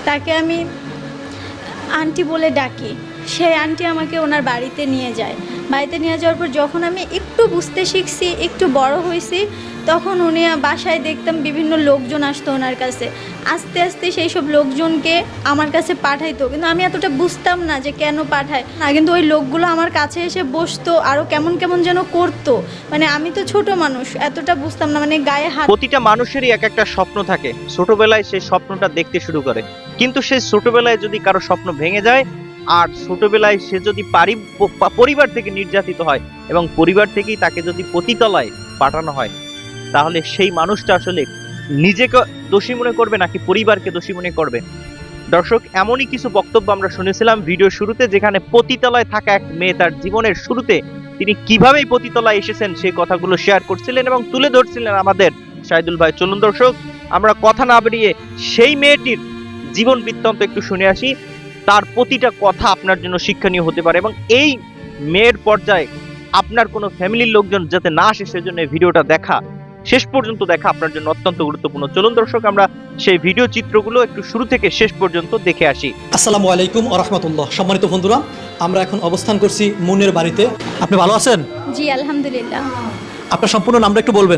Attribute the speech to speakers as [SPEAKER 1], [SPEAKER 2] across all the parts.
[SPEAKER 1] তাকে আমি আন্টি বলে ডাকি। সেই আন্টি আমাকে ওনার বাড়িতে নিয়ে যায়। বাড়িতে নিয়ে যাওয়ার পর যখন আমি একটু বুঝতে শিখছি, একটু বড় হয়েছি, তখন উনি বাসায় দেখতাম বিভিন্ন লোকজন আসতো ওনার কাছে। আস্তে আস্তে সেই সব লোকজনকে আমার কাছে পাঠাইতো, কিন্তু আমি এতটা বুঝতাম না যে কেন পাঠায় না। কিন্তু ওই লোকগুলো আমার কাছে এসে বসতো, আরও কেমন কেমন যেন করতো। মানে আমি তো ছোট মানুষ, এতটা বুঝতাম না, মানে গায়ে হাত।
[SPEAKER 2] প্রতিটা মানুষেরই এক একটা স্বপ্ন থাকে, ছোটবেলায় সেই স্বপ্নটা দেখতে শুরু করে। কিন্তু সেই ছোটবেলায় যদি কারো স্বপ্ন ভেঙে যায়, আর ছোটবেলায় সে যদি পরিবার থেকে নির্যাতিত হয় এবং পরিবার থেকেই তাকে যদি পতিতলায় পাঠানো হয়, তাহলে সেই মানুষটা আসলে নিজেকে দোষী মনে করবে নাকি পরিবারকে দোষী মনে করবে? দর্শক, এমনই কিছু বক্তব্য আমরা শুনেছিলাম ভিডিও শুরুতে, যেখানে পতিতলায় থাকা এক মেয়ে তার জীবনের শুরুতে তিনি কিভাবে পতিতলায় এসেছেন সেই কথাগুলো শেয়ার করছিলেন এবং তুলে ধরছিলেন আমাদের শাহিদুল ভাই। চলুন দর্শক, আমরা কথা না বেরিয়ে সেই মেয়েটির জীবন বৃত্তান্ত একটু শুনে আসি। তার প্রতিটা কথা আপনার জন্য শিক্ষণীয় হতে পারে এবং এই মেয়ের পর্যায়ে আপনার কোনো ফ্যামিলির লোকজন যাতে না আসে, সেজন্য এই ভিডিওটা দেখা, শেষ পর্যন্ত দেখা আপনার জন্য অত্যন্ত গুরুত্বপূর্ণ। চলুন দর্শক, আমরা সেই ভিডিও চিত্রগুলো একটু শুরু থেকে শেষ পর্যন্ত দেখে আসি।
[SPEAKER 3] আসসালামু আলাইকুম ওয়া রাহমাতুল্লাহ। সম্মানিত বন্ধুরা, আমরা এখন অবস্থান করছি মুনের বাড়িতে। আপনি ভালো আছেন?
[SPEAKER 1] জি আলহামদুলিল্লাহ।
[SPEAKER 3] আপনার সম্পূর্ণ নামটা একটু বলবেন?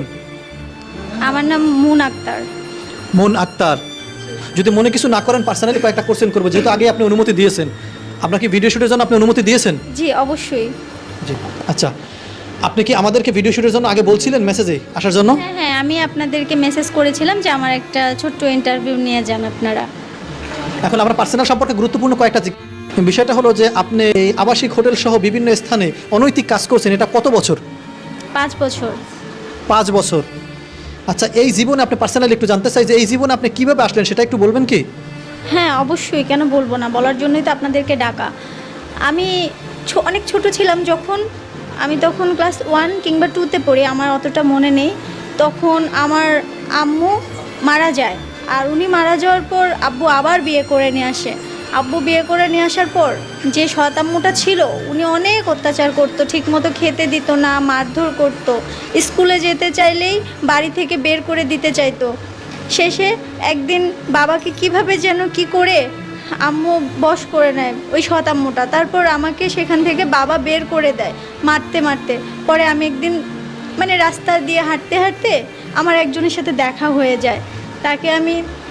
[SPEAKER 1] আমার নাম মুন আক্তার।
[SPEAKER 3] মুন আক্তার। যদি মনে কিছু না করেন, পার্সোনালি কয়েকটা কোশ্চেন করবো, যেহেতু আগে আপনি অনুমতি দিয়েছেন। আপনার কি ভিডিও শুটের জন্য আপনি অনুমতি দিয়েছেন?
[SPEAKER 1] জি অবশ্যই।
[SPEAKER 3] জি আচ্ছা, আপনি কি আমাদেরকে ভিডিও শুটের জন্য আগে বলছিলেন মেসেজে আসার জন্য?
[SPEAKER 1] হ্যাঁ হ্যাঁ, আমি আপনাদেরকে মেসেজ করেছিলাম যে আমার একটা ছোট্ট ইন্টারভিউ নিয়ে যান আপনারা।
[SPEAKER 3] এখন আমরা পার্সোনাল সম্পর্কে গুরুত্বপূর্ণ কয়েকটা বিষয়টা হলো যে আপনি এই আবাসিক হোটেল সহ বিভিন্ন স্থানে অনৈতিক কাজ করছেন, এটা কত বছর?
[SPEAKER 1] 5 বছর।
[SPEAKER 3] 5 বছর। আচ্ছা, এই জীবনে আপনি পার্সোনালি একটু জানতে চাই যে এই জীবনে আপনি কিভাবে আসলেন, সেটা একটু বলবেন কি?
[SPEAKER 1] হ্যাঁ অবশ্যই, কেন বলবো না, বলার জন্যই তো আপনাদেরকে ডাকা। আমি অনেক ছোট ছিলাম যখন, আমি তখন ক্লাস 1 কিংবা 2তে পড়ি, আমার অতটা মনে নেই। তখন আমার আম্মু মারা যায়, আর উনি মারা যাওয়ার পর আব্বু আবার বিয়ে করে নিয়ে আসে। আব্বু বিয়ে করে নিয়ে আসার পর যে সৎ আম্মুটা ছিল, উনি অনেক অত্যাচার করতো, ঠিকমতো খেতে দিত না, মারধর করতো। স্কুলে যেতে চাইলেই বাড়ি থেকে বের করে দিতে চাইতো। শেষে একদিন বাবাকে কিভাবে যেন কি করে আম্মু বশ করে নেয় ওই সৎ আম্মুটা। তারপর আমাকে সেখান থেকে বাবা বের করে দেয় মারতে মারতে। পরে আমি একদিন মানে রাস্তা দিয়ে হাঁটতে হাঁটতে আমার একজনের সাথে দেখা হয়ে যায়। তাকে আমি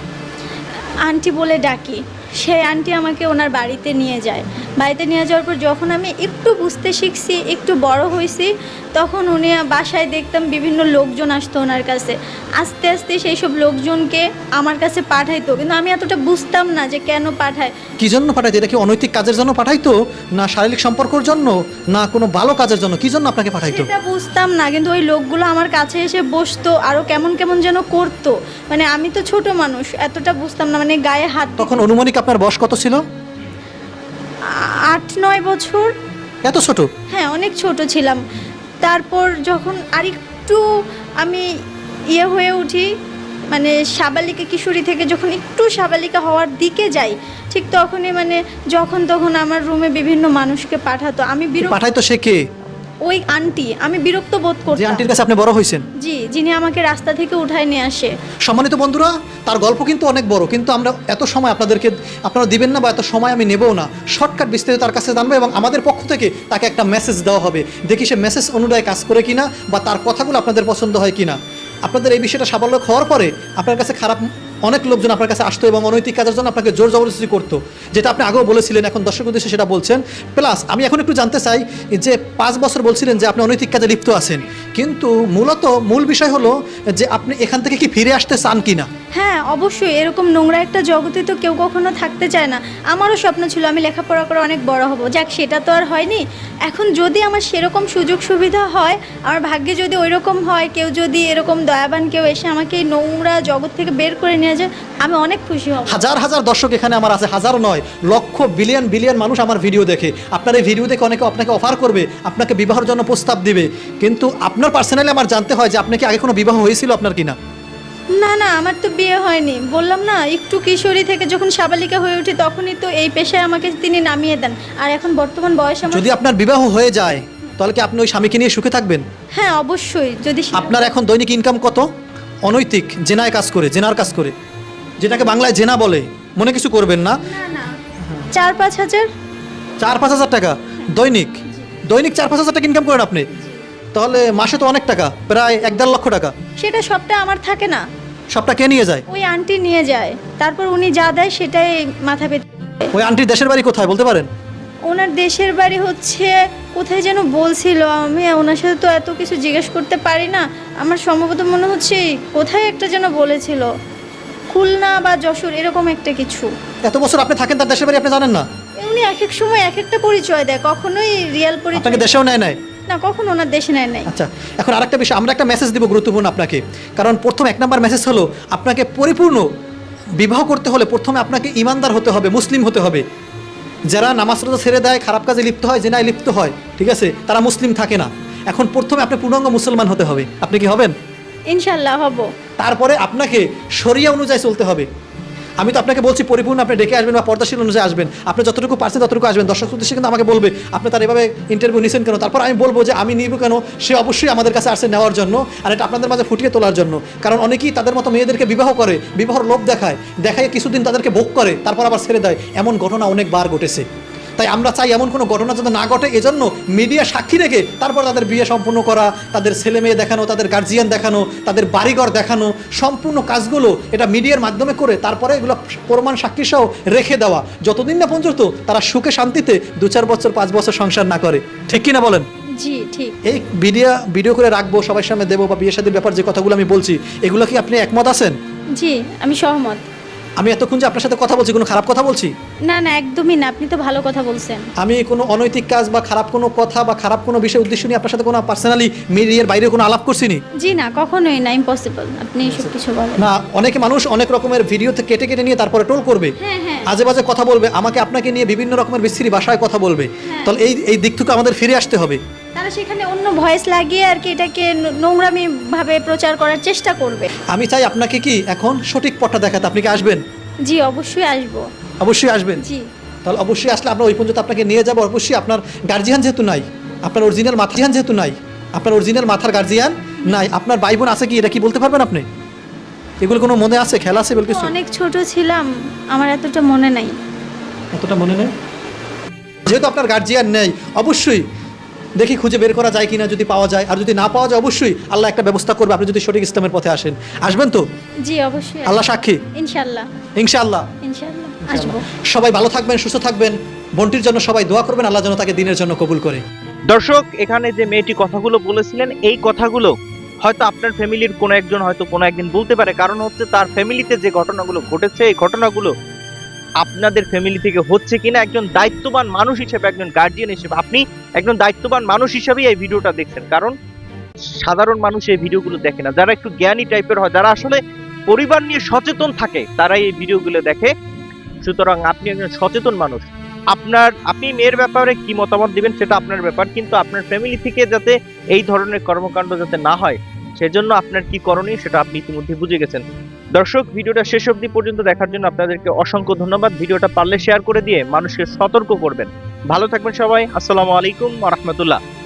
[SPEAKER 1] আন্টি বলে ডাকি। সেই আন্টি আমাকে ওনার বাড়িতে নিয়ে যায়। বাড়িতে নিয়ে যাওয়ার পর যখন আমি একটু বুঝতে শিখছি, একটু বড় হয়েছি, তখন উনি বাসায় দেখতাম বিভিন্ন লোকজন আসতো ওনার কাছে। আস্তে আস্তে সেই সব লোকজনকে আমার কাছে পাঠাইতো, কিন্তু আমি এতটা বুঝতাম না যে কেন পাঠায়।
[SPEAKER 3] কি জন্য পাঠাইতো? এটা কি অনৈতিক কাজের জন্য পাঠাইতো, না শারীরিক সম্পর্কের জন্য, না কোনো ভালো কাজের জন্য? কি জন্য আপনাকে পাঠাইতো?
[SPEAKER 1] সেটা বুঝতাম না, কিন্তু ওই লোকগুলো আমার কাছে এসে বসতো, আরও কেমন কেমন যেন করতো। মানে আমি তো ছোট মানুষ, এতটা বুঝতাম না, মানে গায়ে হাত।
[SPEAKER 3] তখন অনুমানিক আপনার বয়স কত ছিল?
[SPEAKER 1] 8-9 বছর।
[SPEAKER 3] এত ছোট?
[SPEAKER 1] হ্যাঁ অনেক ছোট ছিলাম। তারপর যখন আরেকটু আমি হয়ে উঠি, মানে সাবালিকা কিশোরী থেকে যখন একটু সাবালিকা হওয়ার দিকে যাই, ঠিক তখনই মানে যখন তখন আমার রুমে বিভিন্ন মানুষকে পাঠাতো। আমি
[SPEAKER 3] পাঠাইতো সে কে?
[SPEAKER 1] ওই আন্টি। আমি বিরক্ত বোধ
[SPEAKER 3] যে
[SPEAKER 1] করতাম।
[SPEAKER 3] আন্টির কাছে আপনি বড় হয়েছেন?
[SPEAKER 1] জি, যিনি আমাকে রাস্তা থেকে উঠায় নিয়ে আসে।
[SPEAKER 3] সম্মানিত বন্ধুরা, তার গল্প কিন্তু অনেক বড়, কিন্তু আমরা এত সময় আপনারা দিবেন না, বা এত সময় আমি নেবও না। শর্টকাট বিস্তারিত তার কাছে জানবো এবং আমাদের পক্ষ থেকে তাকে একটা মেসেজ দেওয়া হবে। দেখি সে মেসেজ অনুযায়ী কাজ করে কিনা, বা তার কথাগুলো আপনাদের পছন্দ হয় কিনা। আপনাদের এই বিষয়টা সাফল্য হওয়ার পরে আপনার কাছে অনেক লোকজন আপনার কাছে আসতো এবং অনৈতিক কাজের জন্য আপনাকে জোর জবরদস্তি করতো, যেটা আপনি আগেও বলেছিলেন, এখন দর্শক উদ্দেশ্যে সেটা বলছেন। প্লাস আমি এখন একটু জানতে চাই যে 5 বছর বলছিলেন যে আপনি অনৈতিক কাজে লিপ্ত আছেন, কিন্তু মূল বিষয় হলো যে আপনি এখান থেকে কি ফিরে আসতে চান কিনা?
[SPEAKER 1] হ্যাঁ অবশ্যই, এরকম নোংরা একটা জগতে তো কেউ কখনো থাকতে চায় না। আমারও স্বপ্ন ছিল আমি লেখাপড়া করে অনেক বড় হব, যাক সেটা তো আর হয়নি। এখন যদি আমার সেরকম সুযোগ সুবিধা হয়, আমার ভাগ্যে যদি ওই রকম হয়, কেউ যদি এরকম দয়াবান কেউ এসে আমাকে এই নোংরা জগৎ থেকে বের করে নিয়ে যায়, আমি অনেক খুশি হব।
[SPEAKER 3] হাজার হাজার দর্শক এখানে আমার আছে, হাজার নয়, লক্ষ বিলিয়ন মানুষ আমার ভিডিও দেখে। আপনার এই ভিডিও দেখে অনেকে আপনাকে অফার করবে, আপনাকে বিবাহের জন্য প্রস্তাব দিবে, কিন্তু আপনার পার্সোনালি আমার জানতে হয় যে আপনি কি আগে কোনো বিবাহ হয়েছিল আপনার কিনা?
[SPEAKER 1] না না, আমার তো বিয়ে হয়নি। বললাম না, একটু কিশোরী থেকে যখন সাবালিকা হয়ে উঠি তখনই তো এই পেশায় আমাকে তিনি নামিয়ে দেন। আর এখন বর্তমান বয়স আমার।
[SPEAKER 3] যদি আপনার বিবাহ হয়ে যায়, তাহলে কি আপনি ওই স্বামীকে নিয়ে সুখে থাকবেন?
[SPEAKER 1] হ্যাঁ অবশ্যই। যদি
[SPEAKER 3] আপনার এখন দৈনিক ইনকাম কত? অনৈতিক জেনার কাজ করে, যেটাকে বাংলায় জেনা বলে, মনে কিছু করবেন না।
[SPEAKER 1] না না 4-5 হাজার।
[SPEAKER 3] 4-5 হাজার টাকা দৈনিক? দৈনিক 4-5 হাজার টাকা ইনকাম করেন আপনি? তাহলে মাসে তো অনেক টাকা, প্রায় 1-1.5 লক্ষ টাকা।
[SPEAKER 1] সেটা সবটা আমার থাকে না,
[SPEAKER 3] সবটা কে নিয়ে যায়?
[SPEAKER 1] ওই আন্টি নিয়ে যায়, তারপর উনি যা দেয় সেটাই মাথা পেতে।
[SPEAKER 3] ওই আন্টির দেশের বাড়ি কোথায় বলতে পারেন?
[SPEAKER 1] ওনার দেশের বাড়ি হচ্ছে কোথায় যেন বলছিল, আমি ওনার সাথে তো এত কিছু জিজ্ঞেস করতে পারি না। আমার সম্ভবত মনে হচ্ছে কোথায় একটা যেন বলেছিল, খুলনা বা যশোর এরকম একটা কিছু।
[SPEAKER 3] এত বছর আপনি থাকেন, তার দেশের বাড়ি আপনি জানেন না?
[SPEAKER 1] উনি এক এক সময় এক একটা পরিচয় দেয়, কখনোই রিয়েল পরিচয়
[SPEAKER 3] আপনাকে দেশেও নেয় নাই?
[SPEAKER 1] না, কখনো ওনার দেশে নেয় নাই।
[SPEAKER 3] আচ্ছা, এখন আরেকটা বিষয়, আমরা একটা মেসেজ দিব গুরুত্বপূর্ণ আপনাকে। কারণ প্রথম 1 নম্বর মেসেজ হলো, আপনাকে পরিপূর্ণ বিবাহ করতে হলে প্রথমে আপনাকে ইমানদার হতে হবে, মুসলিম হতে হবে। যারা নামাজ রোজা ছেড়ে দেয়, খারাপ কাজে লিপ্ত হয়, জেনায় লিপ্ত হয়, ঠিক আছে, তারা মুসলিম থাকে না। এখন প্রথমে আপনি পূর্ণাঙ্গ মুসলমান হতে হবে। আপনি কি হবেন?
[SPEAKER 1] ইনশাল্লাহ হব।
[SPEAKER 3] তারপরে আপনাকে শরিয়া অনুযায়ী চলতে হবে। আমি তো আপনাকে বলছি পরিপূর্ণ আপনি ডেকে আসবেন বা পর্দাশীল অনুযায়ী আসবেন। আপনি যতটুকু পারছেন ততটুকু আসবেন। দর্শক উদ্দেশ্যে কিন্তু আমাকে বলবে আপনি তার এভাবে ইন্টারভিউ নিয়েছেন কেন। তারপর আমি বলবো যে আমি নিব কেন, সে অবশ্যই আমাদের কাছে আসছে নেওয়ার জন্য, আর এটা আপনাদের মাঝে ফুটিয়ে তোলার জন্য। কারণ অনেকেই তাদের মতো মেয়েদেরকে বিবাহ করে, বিবাহর লোভ দেখায়, দেখায় কিছুদিন তাদেরকে ভোগ করে, তারপর আবার ছেড়ে দেয়। এমন ঘটনা অনেকবার ঘটেছে। তাই আমরা চাই এমন কোনো ঘটনা যাতে না ঘটে, এজন্য মিডিয়া সাক্ষী রেখে তারপর তাদের বিয়ে সম্পূর্ণ করা, তাদের ছেলে মেয়ে দেখানো, তাদের গার্জিয়ান দেখানো, তাদের বাড়িঘর দেখানো, সম্পূর্ণ কাজগুলো এটা মিডিয়ার মাধ্যমে করে তারপরে এগুলো প্রমাণ সাক্ষী সহ রেখে দেওয়া, যতদিন না পর্যন্ত তারা সুখে শান্তিতে 2-4 বছর 5 বছর সংসার না করে। ঠিক কিনা বলেন?
[SPEAKER 1] জি ঠিক।
[SPEAKER 3] এই ভিডিও করে রাখবো, সবার সামনে দেবো, বা বিয়ে শাদীর ব্যাপার যে কথাগুলো আমি বলছি, এগুলো কি আপনি একমত আছেন?
[SPEAKER 1] জি আমি সহমত।
[SPEAKER 3] আমি এতক্ষণ যে আপনার সাথে কথা বলছি কোনো খারাপ কথা বলছি?
[SPEAKER 1] না না একদমই না, আপনি তো ভালো কথা বলছেন।
[SPEAKER 3] আমি কোনো অনৈতিক কাজ বা খারাপ কোনো কথা বা খারাপ কোনো বিষয় উদ্দেশ্য নিয়ে আপনার সাথে কোনো পার্সোনালি মিডিয়ার বাইরে কোনো আলাপ করছিনি?
[SPEAKER 1] জি না, কখনোই না, ইম্পসিবল। আপনি এসব কিছু বলেন
[SPEAKER 3] না, অনেকে মানুষ অনেক রকমের ভিডিওতে কেটে কেটে নিয়ে তারপরে টোল করবে,
[SPEAKER 1] হ্যাঁ হ্যাঁ
[SPEAKER 3] আজে বাজে কথা বলবে, আমাকে আপনাকে নিয়ে বিভিন্ন রকমের বিশ্রী ভাষায় কথা বলবে।
[SPEAKER 1] হ্যাঁ।
[SPEAKER 3] তাহলে এই দিক থেকে আমাদের ফিরে আসতে হবে।
[SPEAKER 1] তারা সেখানে অন্য ভয়েস লাগিয়ে আর কি এটাকে নোংরামি ভাবে প্রচার করার চেষ্টা করবে।
[SPEAKER 3] আমি চাই আপনাকে কি এখন সঠিক পথটা দেখাতে। আপনি কি আসবেন?
[SPEAKER 1] জি অবশ্যই আসবো।
[SPEAKER 3] অবশ্যই আসবেন।
[SPEAKER 1] জি
[SPEAKER 3] তাহলে অবশ্যই আসলে আমরা ওই পর্যন্ত আপনাকে নিয়ে যাবো। অবশ্যই আপনার গার্জিয়ান যেহেতু নাই, আপনার অরিজিনাল মাথার যেহেতু নাই, আপনার অরিজিনাল মাথার গার্জিয়ান নাই, আপনার ভাই বোন আছে কি, এটা কি বলতে পারবেন আপনি? এগুলো কোনো মনে আছে, খেলা আছে বল কিছু?
[SPEAKER 1] অনেক ছোট ছিলাম, আমার এতটা মনে নাই।
[SPEAKER 3] এতটা মনে নেই? যেহেতু আপনার গার্জিয়ান নেই, অবশ্যই দেখি খুঁজে বের করা যায় কিনা, যদি পাওয়া যায়। আর যদি না পাওয়া যায় অবশ্যই আল্লাহ একটা ব্যবস্থা করবে, আপনি যদি সঠিক ইসলামের পথে আসেন। আসবেন তো?
[SPEAKER 1] জি অবশ্যই।
[SPEAKER 3] আল্লাহ সাক্ষী।
[SPEAKER 1] ইনশাল্লাহ।
[SPEAKER 3] ইনশাআল্লাহ।
[SPEAKER 1] ইনশাল্লাহ আসবো।
[SPEAKER 3] সবাই ভালো থাকবেন, সুস্থ থাকবেন। বোনটির জন্য সবাই দোয়া করবেন, আল্লাহ যেন তাকে দিনের জন্য কবুল করে।
[SPEAKER 2] দর্শক, এখানে যে মেয়েটি কথাগুলো বলেছিলেন, এই কথাগুলো হয়তো আপনার ফ্যামিলির কোনো একজন হয়তো কোনো একদিন বলতে পারে। কারণ হচ্ছে তার ফ্যামিলিতে যে ঘটনাগুলো ঘটেছে, এই ঘটনাগুলো আপনাদের ফ্যামিলি থেকে হচ্ছে কিনা। একজন দায়িত্ববান মানুষ হিসেবে, একজন গার্জিয়ান হিসেবে আপনি একজন দায়িত্ববান মানুষ হিসেবেই এই ভিডিওটা দেখছেন। কারণ সাধারণ মানুষ এই ভিডিওগুলো দেখে না। যারা একটু জ্ঞানী টাইপের হয়, যারা আসলে পরিবার নিয়ে সচেতন থাকে, তারাই এই ভিডিওগুলো দেখে। সুতরাং আপনি একজন সচেতন মানুষ, আপনি মেয়ের ব্যাপারে কি মতামত দিবেন সেটা আপনার ব্যাপার, কিন্তু আপনার ফ্যামিলি থেকে যাতে এই ধরনের কর্মকাণ্ড যাতে না হয়, সেজন্য আপনার কি করণীয় সেটা আপনি ইতিমধ্যে বুঝে গেছেন। দর্শক, ভিডিওটা শেষ অবধি পর্যন্ত দেখার জন্য আপনাদেরকে অসংখ্য ধন্যবাদ। ভিডিওটা পারলে শেয়ার করে দিয়ে মানুষকে সতর্ক করবেন। ভালো থাকবেন সবাই। আসসালামু আলাইকুম ওয়া রাহমাতুল্লাহ।